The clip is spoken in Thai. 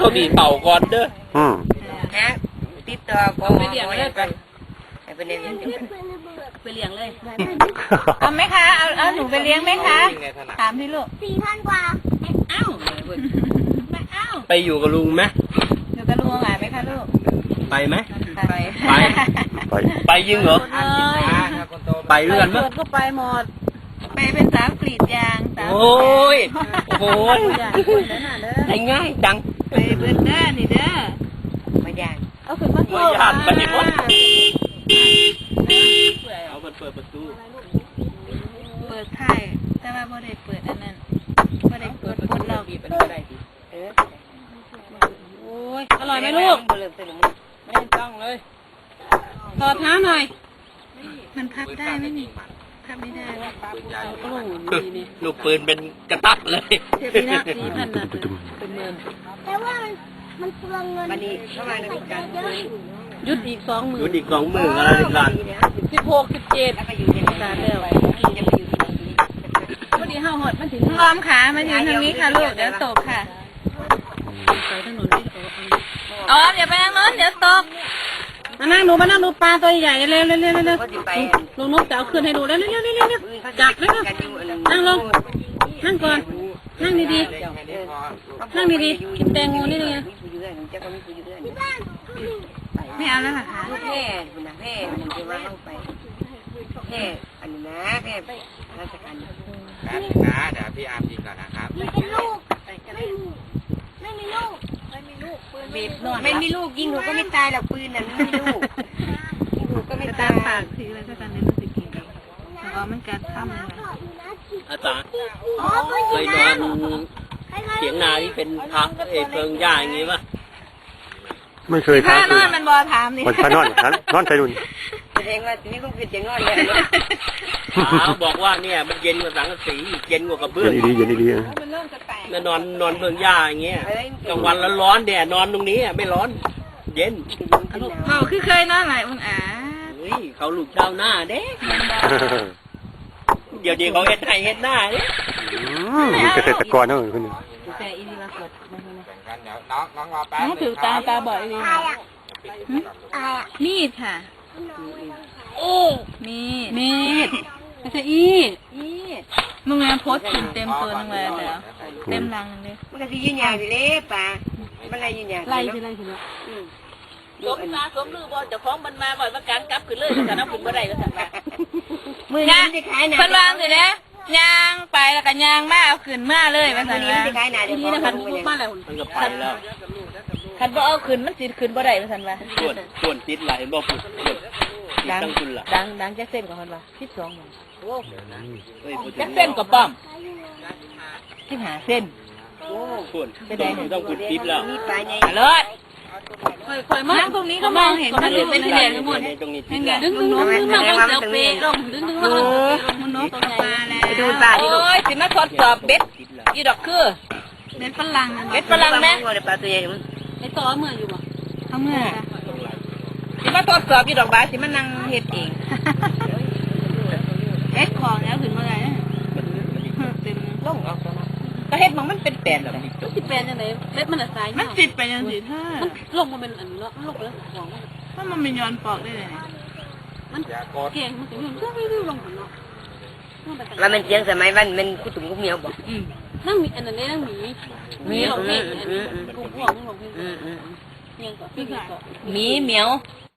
ก็มีเป่าก่อนเด้อฮะติดต่อก็ไปเลี้ยงเลยไปไปเลี้ยงไปเลี้ยงเลยเอาไหมคะเอาหนูไปเลี้ยงไหมคะถามพี่ลูก4,000 กว่าอ้าวไปอยู่กับลุงไหมอยู่กับลุงไหมคะลูกไปไหมไปยิงเหรอไปเรื่อนมั้ยก็ไปหมดไปเป็นสาวกรีดยางสาวโอ้ยไอ้ง่ายจังไปเบิร์ดเด้อนี่เด้อมายางเอาขึ้นมาสู้ยานไปหมดเอาเปิดประตูเปิดไข่แต่ว่าบ่ได้เปิดอันนั้นบ่ได้เปิดคนเราโอ้ยอร่อยไหมลูกไม่ต้องเลยถอดเท้าหน่อยมันพับได้ไหมนี่พับไม่ได้โอ้โหนี่ลูกปืนเป็นกระตักเลยเทียบนี่นะ4,000นะเป็นเงินแต่ว่ามันเปลืองเงินวันนี้เข้ามาในการยุดอีก20,000 ยุดอีก20,000อะไรกัน 16 17แล้วก็อยู่ในการแล้ววันนี้ห้าหดมันถึงล้อมขามาอยู่ทางนี้ค่ะลูกเดี๋ยวตกค่ะไปถนนนี่อ๋ออย่าไปทางโน้นเดี๋ยวตกมานั่งดูปลาตัวใหญ่เร็วลุงนกจะเอาขึ้นให้ดูเร็วจับเลยค่ะนั่งลงนั่งก่อนนั่งดีๆกินแตงโมนี่เลยไม่เอาแล้วเหรอคะแม่มันจะว่าเข้าไปแม่อันนี้นะแม่ราชการนะเดี๋ยวพี่อาร์มยิงก่อนนะครับไม่มีลูกไม่มีลูกไม่มีลูกยิงหนูก็ไม่ตายหรอกปืนนั้นไม่มีลูกยิงหนูก็ไม่ตายปากทีอะไรก็ตามในรู้สึกกินแต่ว่ามันการทำอะไรอาจารย์เคยนอนเถียงนาที่เป็นพักเพิงหญ้าอย่างงี้ป่ะไม่เคยครับนอนมันบอถามนี่มันนอนใส่ดุนเองว่านี่ก็คือจะนอนเลยบอกว่าเนี่ยมันเย็นกว่าสังกะสีเย็นกว่ากระเบื้องเย็นดีมันนอนเพิงหญ้าอย่างเงี้ยกลางวันร้อนแดดนอนตรงนี้ไม่ร้อนเย็นเขาคือเคยนอนหลายวันเขาลูกเจ้าหน้าเด็กเดี๋ยวเขาเฮ็ดให้เฮ็ดหน้าเนี่ยเกษตรกรเนอะคุณแต่อีนี่ละกดเดี๋ยวน้องรอแป๊บน้องถือตาบ่อยเลยมีดค่ะมีดไม่ใช่มึงไงโพสถึงเต็มตัวนึงเลยแล้วเต็มรังเลยมันก็จะยืนยันอยู่เลยป่ะมันอะไรยืนยันไล่ใช่ไหมสมนาสมลือบอลจะฟ้องมันมาบ่อยมาการกลับขึ้นเลยแต่น้ำขึ้นบ่ได้ก็สั่งมามือนี้จะขายหนาเพิ่นวางสิเนี่ยยางไปแล้วก็ยางมาเอาขึ้นมาเลยว่าซั่นว่าทีนี้นะคะลูกมาแล้วมันก็ไปแล้วคันบ่เอาขึ้นมันสิขึ้นบ่ได้ว่าซั่นว่าส่วนติดหลายบ่ปุ๊บดังจักเส้นกับเพิ่นว่า12หมโอ้จักเส้นกับป้อม 15เส้นโอ้ส่วนต้องขึ้นติดแล้วมีปลาใหญ่เลิศค่อยๆมาตรงนี้ก็มองเห็นมันเป็นแหล่งหมดดึงน้องเสียวเปย์ลงดึงน้องตรงไหนไปดูปลาดิลูกโอ้ยสิมาทดสอบเบ็ดยี่ดอกคือเบ็ดฝรั่งไหมปลาตัวใหญ่ไอ้ต่อเมื่ออยู่บ่เขาเมื่อสิมาทดสอบยี่ดอกบาสิมานั่งเฮ็ดเองเฮ็ดของแล้วขึ้นมาไงเต็มลงออกก็เฮ็ดมันเป็นแปลนแบบนี้มันสิแปลนยังไงเม็ดมันสายมันติดไปยังสิมันลงมาเป็นอันนี้แล้วมันลงไปแล้วของมันเป็นย้อนปอกได้เลยมันเก่งมันถึงย้อนก็ไม่รู้ลงหัวเนาะแล้วมันเจียงสมัยวันมันคุตุ่มกุเมียวบอกนั่งมีอันนั้นนั่งมีของพี่กุ้งของพี่ยังก็พี่ก็มีเหมียว